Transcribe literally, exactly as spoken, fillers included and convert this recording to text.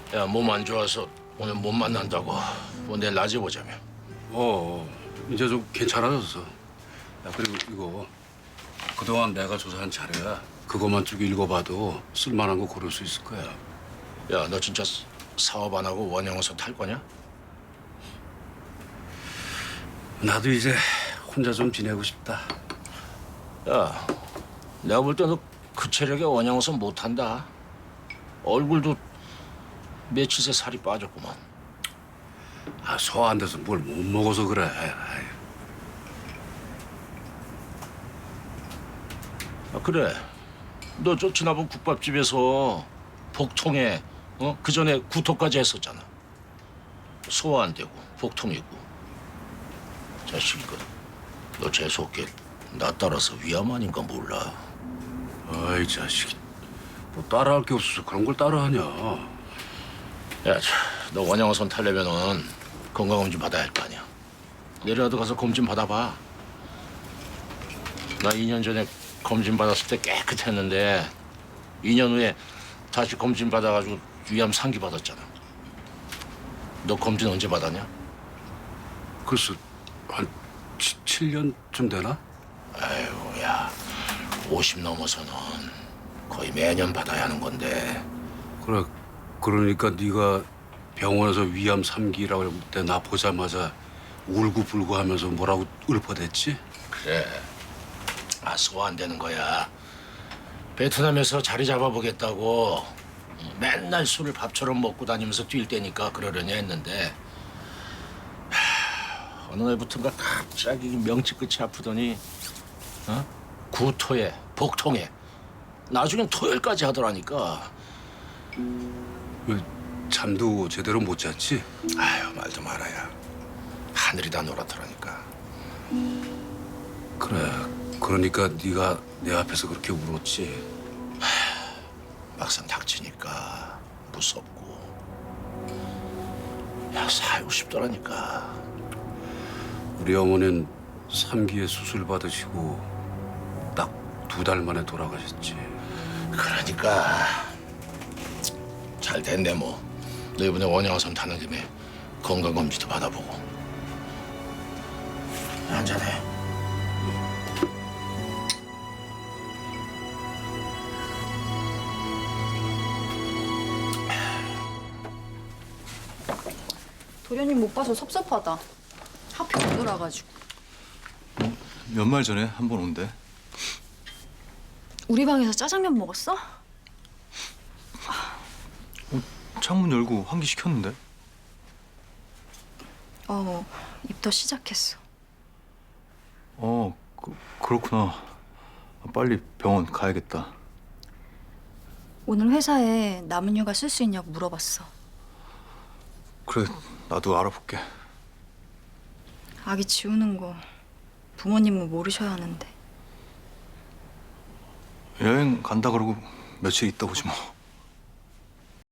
야, 몸 안 좋아서 오늘 못 만난다고. 뭐 내일 낮에 보자며. 어, 이제 좀 괜찮아졌어. 야, 그리고 이거 그동안 내가 조사한 자료야. 그것만 쭉 읽어봐도 쓸만한 거 고를 수 있을 거야. 야, 너 진짜 사- 사업 안 하고 원형어선 탈 거냐? 나도 이제 혼자 좀 지내고 싶다. 야, 내가 볼 때 너 그 체력에 원형어선 못 탄다. 얼굴도 며칠 새 살이 빠졌구만. 아, 소화 안 돼서 뭘 못 먹어서 그래. 아이, 아, 그래. 너 저 지난번 국밥집에서 복통에 어? 그 전에 구토까지 했었잖아. 소화 안 되고 복통 있고. 자식 이거 너 재수없게 나 따라서 위암 아닌가 몰라. 아이 자식, 뭐 따라할 게 없어서 그런 걸 따라하냐. 야, 자, 너 원형어선 타려면은 건강검진 받아야 할 거 아니야. 내일라도 가서 검진 받아봐. 나 이 년 전에 검진 받았을 때 깨끗했는데 이 년 후에 다시 검진 받아가지고 위암 상기 받았잖아. 너 검진 언제 받았냐? 글쎄, 한 칠 년쯤 되나? 아이고, 야, 오십 넘어서는 거의 매년 받아야 하는 건데. 그래, 그러니까 네가 병원에서 위암 삼 기라고 할 때 나 보자마자 울고불고 하면서 뭐라고 읊어댔지? 그래. 아, 소화 안 되는 거야. 베트남에서 자리 잡아보겠다고 맨날 술을 밥처럼 먹고 다니면서 뛸 때니까 그러려니 했는데 하, 어느 날부터인가 갑자기 명치 끝이 아프더니 어? 구토에 복통에 나중엔 토혈까지 하더라니까. 왜 잠도 제대로 못 잤지? 아유, 말도 말아야. 하늘이 다 노랗더라니까. 그래, 그러니까 네가 내 앞에서 그렇게 울었지. 막상 닥치니까 무섭고 야, 살고 싶더라니까. 우리 어머니는 삼 기에 수술 받으시고 딱 두 달 만에 돌아가셨지. 그러니까 잘 됐네 뭐. 너 이번에 원양어선 타는 김에 건강검진도 받아보고. 한잔해. 도련님 못 봐서 섭섭하다. 하필 오늘 와가지고. 연말 전에 한 번 온대. 우리 방에서 짜장면 먹었어? 창문 열고 환기 시켰는데. 어, 입덧 시작했어. 어, 그, 그렇구나. 빨리 병원 가야겠다. 오늘 회사에 남은 휴가 쓸 수 있냐고 물어봤어. 그래, 나도 알아볼게. 아기 지우는 거 부모님은 모르셔야 하는데. 여행 간다 그러고 며칠 있다 오지 뭐.